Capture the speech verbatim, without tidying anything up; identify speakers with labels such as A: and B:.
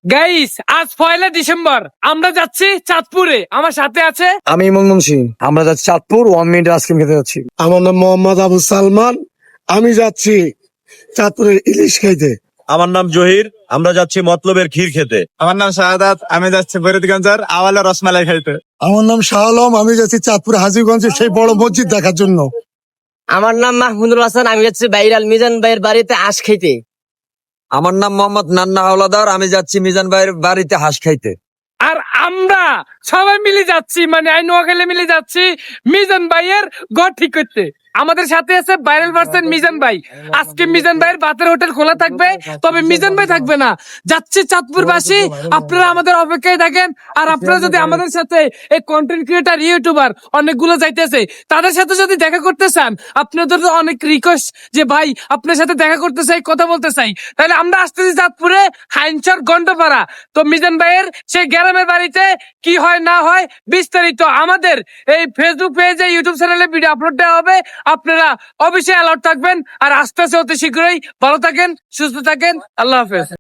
A: Guys আজ পয়লা December, আমরা যাচ্ছি চাঁদপুরে। আমার সাথে আছে
B: আমি ইমন সিং। আমরা যাচ্ছি চাঁদপুর, ওয়ান মিনিট আইসক্রিম খেতে যাচ্ছি।
C: আমার নাম মোহাম্মদ আবু সালমান। আমি যাচ্ছি চাঁদপুরের ইলিশ খাইতে।
D: আমার নাম জহির, আমরা যাচ্ছি মতলবের ক্ষীর খেতে।
E: আমার নাম শাহাদাত, আমি যাচ্ছি ফরিদগঞ্জের আওয়ালে রসমালাই খাইতে।
C: আমার নাম শাহ আলম, আমি যাচ্ছি চাঁদপুর হাজীগঞ্জের সেই বড় মসজিদ দেখার জন্য।
F: আমার নাম মাহমুদুল হাসান, আমি যাচ্ছি বাইরাল মিজান ভাইয়ের বাড়িতে আঁশ খাইতে।
B: আমার নাম মোহাম্মদ নান্না হাওলাদার, আমি যাচ্ছি মিজান ভাইয়ের বাড়িতে হাঁস খাইতে।
A: আর আমরা সবাই মিলে যাচ্ছি, মানে আই নোয়াখালী মিলে যাচ্ছি মিজান ভাইয়ের ঘর ঠিক করতে। আমাদের সাথে আছে ভাইরাল পার্সন মিজান ভাই। আজকে মিজান ভাইয়ের বাতের হোটেল খোলা থাকবে, তবে মিজান ভাই থাকবে না। যাচ্ছে চাঁদপুরবাসী, আপনারা আমাদের অপেক্ষায় থাকেন। আর আপনারা যদি আমাদের সাথে এই কন্টেন্ট ক্রিয়েটার ইউটিউবার অনেকগুলো যাইতেছে, তাদের সাথে যদি দেখা করতে চান, আপনাদের তো অনেক রিকোয়েস্ট যে ভাই আপনার সাথে দেখা করতে চাই, কথা বলতে চাই, তাহলে আমরা আসতেছি চাঁদপুরে হাইনচর গন্ডপাড়া। তো মিজান ভাইয়ের সেই গ্রামের বাড়িতে কি হয় না হয় বিস্তারিত আমাদের এই ফেসবুক পেজে, ইউটিউব চ্যানেলে ভিডিও আপলোড দেওয়া হবে। আপনারা অবশ্যই অ্যালার্ট থাকবেন। আর আস্তে আস্তে অতি শীঘ্রই ভালো থাকেন, সুস্থ থাকেন। আল্লাহ হাফেজ।